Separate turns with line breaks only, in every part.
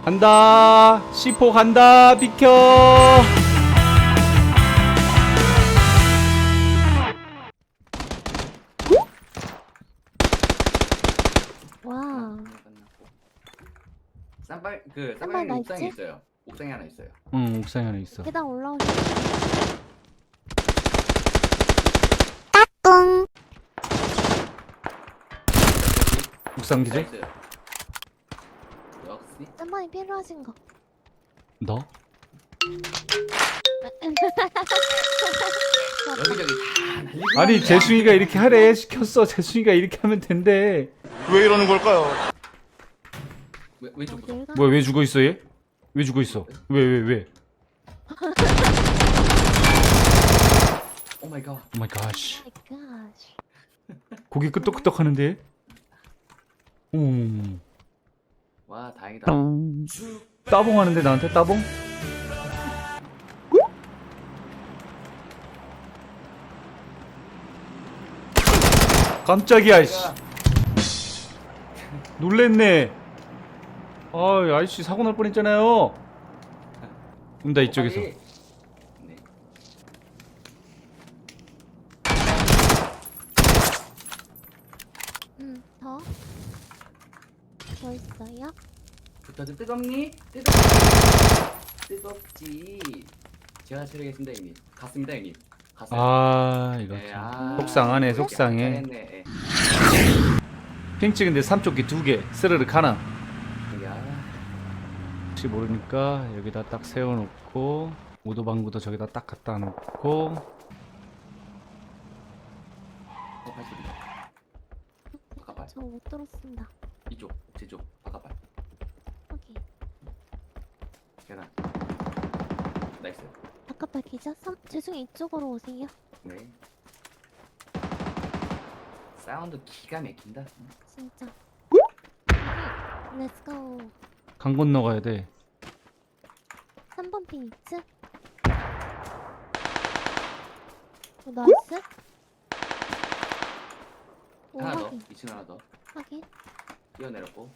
간다. C4 간다. 비켜.
와.
쌈발 그
쌈발
쌈발이
나
옥상에
있지?
있어요. 옥상에 하나 있어요.
응, 옥상에 하나 있어.
계단 올라오시.
옥상 기절?
있어요. 역시
쌈방이 필요하신 거.
너?
여기저기 다 날리고.
아니, 재승이가 이렇게 하래. 시켰어. 재승이가 이렇게 하면 된대.
왜 이러는 걸까요?
왼쪽 구석.
어딜 가?
뭐야, 왜 죽어 있어 얘? 왜 죽어 있어? 왜?
오 마이 갓.
오 마이 갓.
마이 갓.
고개 끄덕끄덕 하는데?
와 다행이다.
따봉 하는데 나한테 따봉? 깜짝이야, 씨. 놀랬네. 아, 아이씨 사고 날 뻔했잖아요. 온다 이쪽에서.
빨리. 네.
더. 더 있어요?
붙어도 뜨겁니? 뜨겁지. 제가 처리하겠습니다 형님. 갔습니다 형님. 갔어요.
아, 이거
네,
참. 속상하네, 속상해.
잘했네. 예.
핑 찍은데 삼쪽기 2개 스르륵 하나.
야.
혹시 모르니까 여기다 딱 세워놓고 오도방구도 저기다 딱 갖다 놓고.
바깥발 소리다. 바깥발.
저 못 들었습니다.
이쪽. 제쪽. 바깥발.
여기.
계단. 나이스.
바깥발 기자? 죄송해요. 이쪽으로 오세요.
네. 사운드 기가 막힌다.
진짜. 렛츠고.
강 건너가야 돼.
3번 핀 있지? 나이스? 오,
하나 더.
확인.
2층 하나 더.
확인.
뛰어내렸고.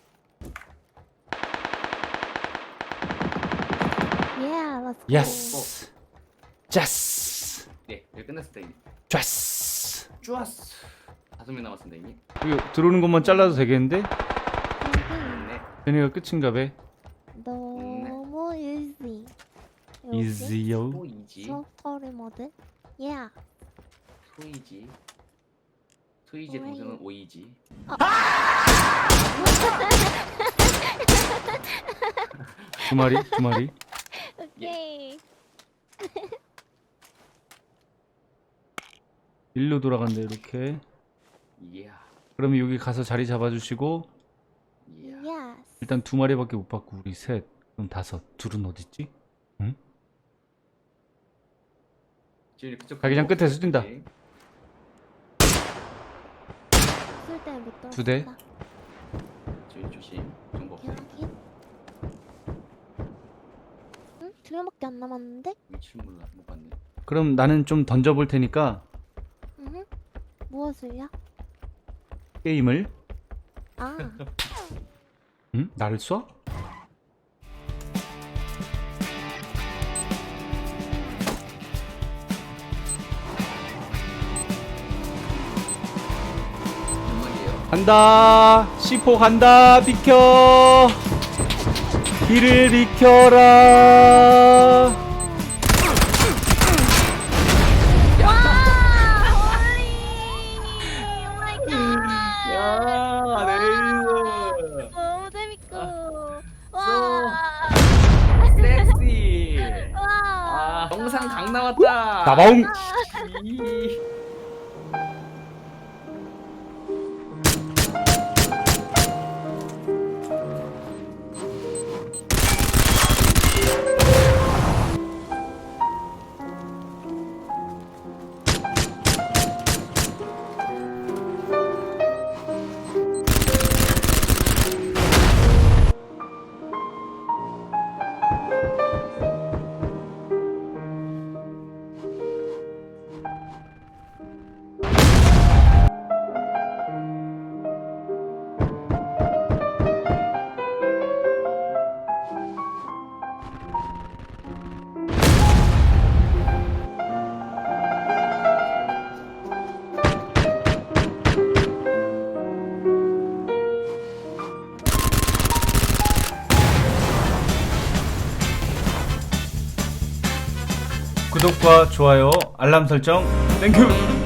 Yeah, let's go.
예스. 자스.
네. 여기 끝났습니다 형님.
좌스.
좋았어. 5명 남았습니다 형님.
이거 들어오는 것만 잘라도 되겠는데?
여기
네.
얘네가 끝인가 봐.
너무 easy.
이지요.
소이지.
소프트웨어 모드. Yeah.
소이지. 소이지의 동생은 오이지.
두 마리.
오케이.
일로 돌아간대 이렇게.
이야.
그러면 여기 가서 자리 잡아주시고.
이야.
Yes.
일단 2마리밖에 못 받고 우리 셋. 그럼 5. 둘은 어딨지? 응?
지금 그쪽
자기장 끝에서 뛴다.
네.
쓸 때 못 들었다.
2대.
저희 조심. 정보 없어요.
확인. 응? 2명밖에 안 남았는데?
위치를 몰라. 못 봤네.
그럼 나는 좀 던져볼 테니까
응? 무엇을요?
게임을.
아,
응? 나를 쏴?
연막이에요.
간다. C4 간다. 비켜. 길을 비켜라.
야, 네이스.
너무 재밌고. 와.
섹시.
와.
아, 영상 강 나왔다.
나바웅.
이.
구독과 좋아요 알람 설정 땡큐.